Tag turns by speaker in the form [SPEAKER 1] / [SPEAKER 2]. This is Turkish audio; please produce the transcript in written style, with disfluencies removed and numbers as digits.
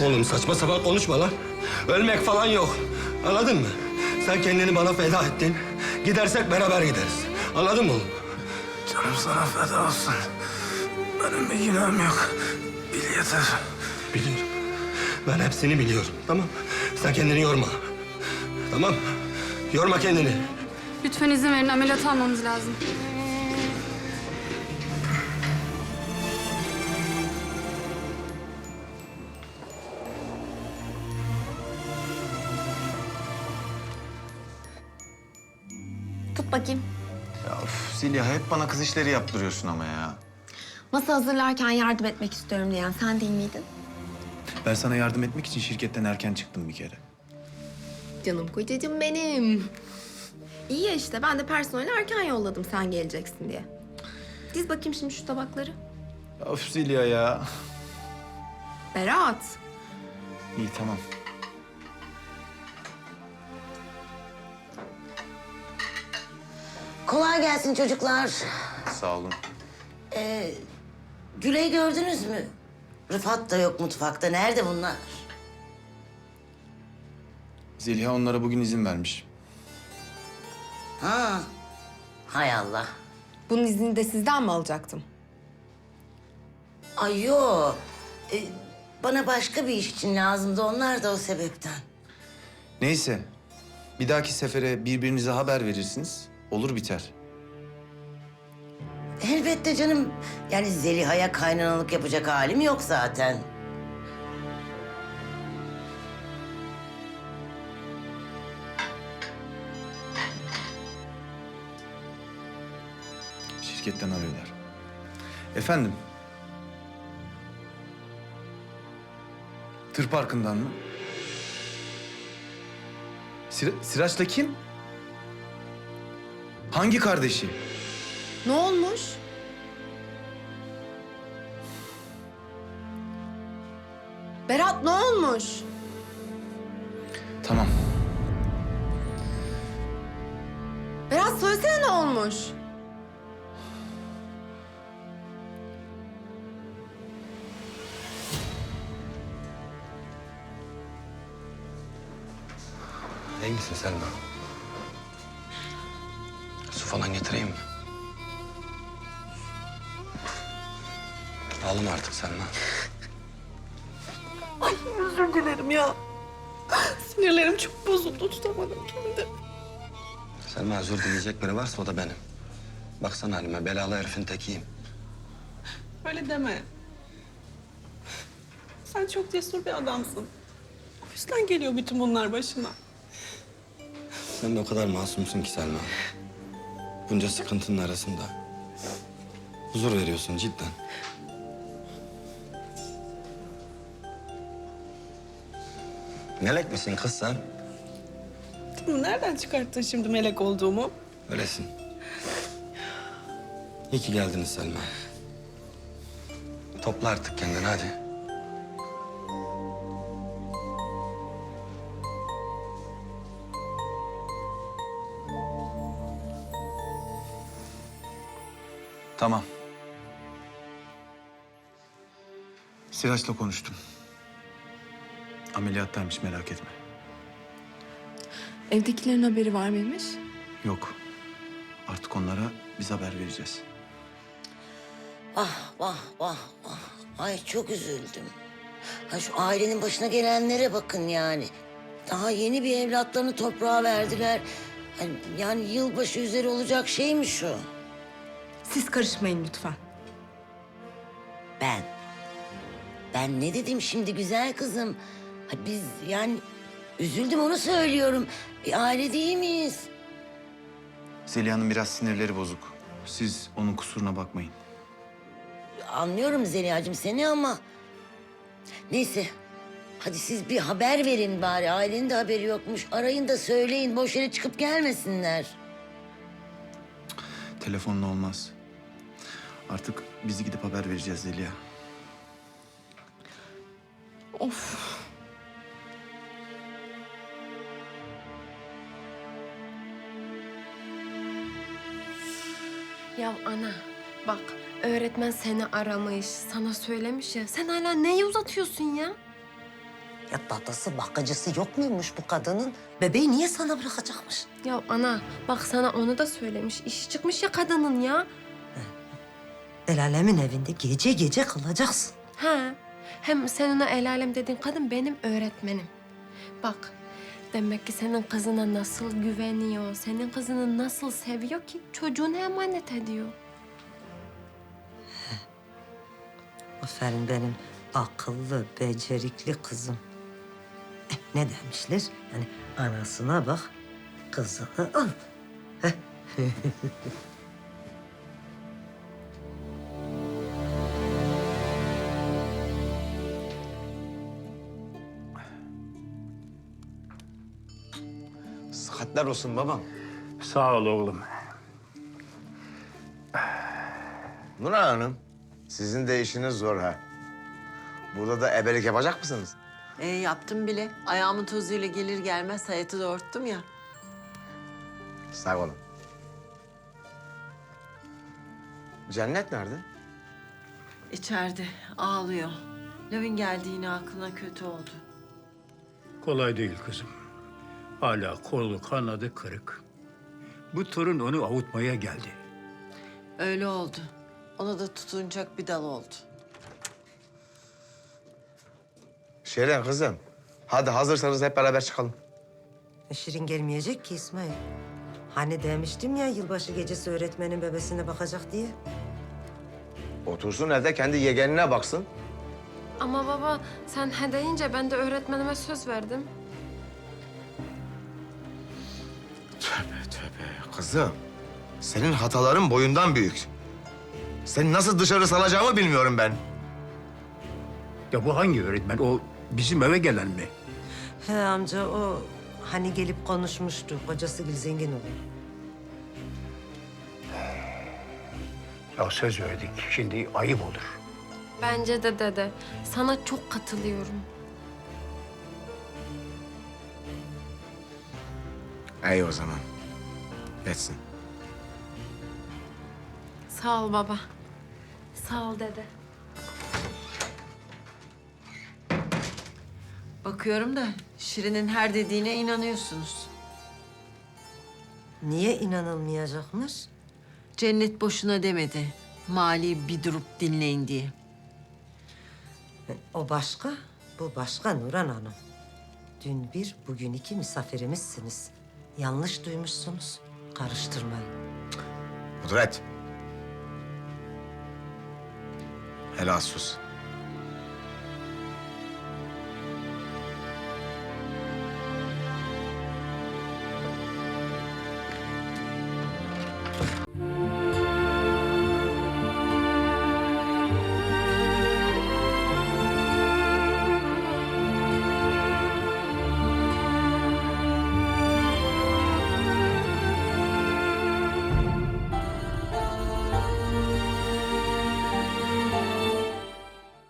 [SPEAKER 1] Oğlum saçma sapan konuşma lan. Ölmek falan yok. Anladın mı? Sen kendini bana feda ettin. Gidersek beraber gideriz. Anladın mı oğlum?
[SPEAKER 2] Canım sana feda olsun. Benim bir günahım yok. Bil yeter.
[SPEAKER 1] Biliyorum. Ben hepsini biliyorum. Tamam. Sen kendini yorma. Tamam. Yorma kendini.
[SPEAKER 3] Lütfen izin verin, ameliyat almamız lazım.
[SPEAKER 4] Tut bakayım.
[SPEAKER 5] Ya of, Zeliha hep bana kız işleri yaptırıyorsun ama ya.
[SPEAKER 4] Masa hazırlarken yardım etmek istiyorum diyen sen değil miydin?
[SPEAKER 5] Ben sana yardım etmek için şirketten erken çıktım bir kere.
[SPEAKER 4] Canım kocacığım benim. İyi ya işte ben de personeli erken yolladım sen geleceksin diye. Diz bakayım şimdi şu tabakları.
[SPEAKER 5] Ya of Zeliha ya.
[SPEAKER 4] Berat.
[SPEAKER 5] İyi tamam.
[SPEAKER 6] Kolay gelsin çocuklar.
[SPEAKER 5] Sağ olun.
[SPEAKER 6] Güley'i gördünüz mü? Rıfat da yok mutfakta. Nerede bunlar?
[SPEAKER 5] Zeliha onlara bugün izin vermiş.
[SPEAKER 6] Ha. Hay Allah.
[SPEAKER 4] Bunun iznini de sizden mi alacaktım?
[SPEAKER 6] Ay yok. Bana başka bir iş için lazımdı. Onlar da o sebepten.
[SPEAKER 5] Neyse. Bir dahaki sefere birbirinize haber verirsiniz. Olur biter.
[SPEAKER 6] Elbette canım. Yani Zeliha'ya kaynanalık yapacak halim yok zaten.
[SPEAKER 5] Şirketten arıyorlar. Efendim? Tır parkından mı? Siraç'la kim? Hangi kardeşi?
[SPEAKER 4] Ne olmuş? Berat ne olmuş?
[SPEAKER 5] Tamam.
[SPEAKER 4] Berat söylesene ne olmuş?
[SPEAKER 1] İyi misin Selma? Su falan getireyim mi? Ağlama artık Selma.
[SPEAKER 7] Ay özür dilerim ya. Sinirlerim çok bozuldu, tutamadım kendimi.
[SPEAKER 1] Selma özür dileyecek biri varsa o da benim. Baksana halime, belalı herifin tekiyim.
[SPEAKER 7] Öyle deme. Sen çok cesur bir adamsın. O yüzden geliyor bütün bunlar başına.
[SPEAKER 1] Sen de o kadar masumsun ki Selma. Bunca sıkıntının arasında. Huzur veriyorsun cidden. Melek misin kız sen?
[SPEAKER 7] Tamam, nereden çıkarttın şimdi melek olduğumu?
[SPEAKER 1] Öylesin. İyi ki geldiniz Selma. Topla artık kendini hadi.
[SPEAKER 5] Tamam. Siraç'la konuştum. Ameliyattaymış merak etme.
[SPEAKER 4] Evdekilerin haberi var mıymış?
[SPEAKER 5] Yok. Artık onlara biz haber vereceğiz.
[SPEAKER 6] Vah vah vah vah. Ay çok üzüldüm. Ha şu ailenin başına gelenlere bakın yani. Daha yeni bir evlatlarını toprağa verdiler. Yani yılbaşı üzeri olacak şey mi şu?
[SPEAKER 4] Siz karışmayın lütfen.
[SPEAKER 6] Ben ne dedim şimdi güzel kızım? Ha biz yani üzüldüm onu söylüyorum. Bir aile değil miyiz?
[SPEAKER 5] Zeliha'nın biraz sinirleri bozuk. Siz onun kusuruna bakmayın.
[SPEAKER 6] Anlıyorum Zeliha'cığım seni ama... Neyse. Hadi siz bir haber verin bari. Ailenin de haberi yokmuş. Arayın da söyleyin. Boş yere çıkıp gelmesinler.
[SPEAKER 5] Telefonla olmaz. Artık bizi gidip haber vereceğiz Zeliha.
[SPEAKER 4] Of. Ya ana bak öğretmen seni aramış, sana söylemiş ya. Sen hala neyi uzatıyorsun ya?
[SPEAKER 6] Ya dadası bakıcısı yok muymuş bu kadının? Bebeği niye sana bırakacakmış?
[SPEAKER 8] Ya ana bak sana onu da söylemiş. İşi çıkmış ya kadının ya.
[SPEAKER 6] El alemin evinde gece gece kalacaksın.
[SPEAKER 8] Ha. Hem sen ona el alem dediğin kadın benim öğretmenim. Bak demek ki senin kızına nasıl güveniyor, senin kızını nasıl seviyor ki çocuğunu emanet ediyor.
[SPEAKER 6] Aferin benim akıllı, becerikli kızım. Ne demişler? Yani anasına bak, kızını al.
[SPEAKER 5] Sıhhatler olsun babam.
[SPEAKER 2] Sağ ol oğlum.
[SPEAKER 9] Nurhan Hanım, sizin de işiniz zor ha. Burada da ebelik yapacak mısınız?
[SPEAKER 7] Yaptım bile. Ayağımın tozuyla gelir gelmez hayatı doğurttum ya.
[SPEAKER 9] Sağ olun. Cennet nerede?
[SPEAKER 7] İçeride ağlıyor. Lavin geldiğine aklına kötü oldu.
[SPEAKER 2] Kolay değil kızım. Hala kolu kanadı kırık. Bu torun onu avutmaya geldi.
[SPEAKER 7] Öyle oldu. Ona da tutunacak bir dal oldu.
[SPEAKER 9] Şeren kızım, hadi hazırsanız hep beraber çıkalım.
[SPEAKER 10] Şirin gelmeyecek ki İsmail. Hani demiştim ya yılbaşı gecesi öğretmenin bebesine bakacak diye.
[SPEAKER 9] Otursun evde kendi yegenine baksın.
[SPEAKER 8] Ama baba sen he deyince ben de öğretmenime söz verdim.
[SPEAKER 9] Tövbe tövbe kızım. Senin hataların boyundan büyük. Seni nasıl dışarı salacağımı bilmiyorum ben.
[SPEAKER 2] Ya bu hangi öğretmen? O bizim eve gelen mi?
[SPEAKER 10] He amca o hani gelip konuşmuştu. Kocası Gül zengin olur.
[SPEAKER 2] Ya söz verdik. Şimdi ayıp olur.
[SPEAKER 8] Bence de dede. Sana çok katılıyorum.
[SPEAKER 9] İyi o zaman. Etsin.
[SPEAKER 8] Sağ ol baba. Sağ ol dede.
[SPEAKER 7] Bakıyorum da Şirin'in her dediğine inanıyorsunuz.
[SPEAKER 10] Niye inanılmayacakmış?
[SPEAKER 7] Cennet boşuna demedi. Mali bir durup dinleyin diye.
[SPEAKER 10] O başka, bu başka Nurhan Hanım. Dün bir, bugün iki misafirimizsiniz. Yanlış duymuşsunuz. Karıştırmayın.
[SPEAKER 9] Kudret. Helal sus.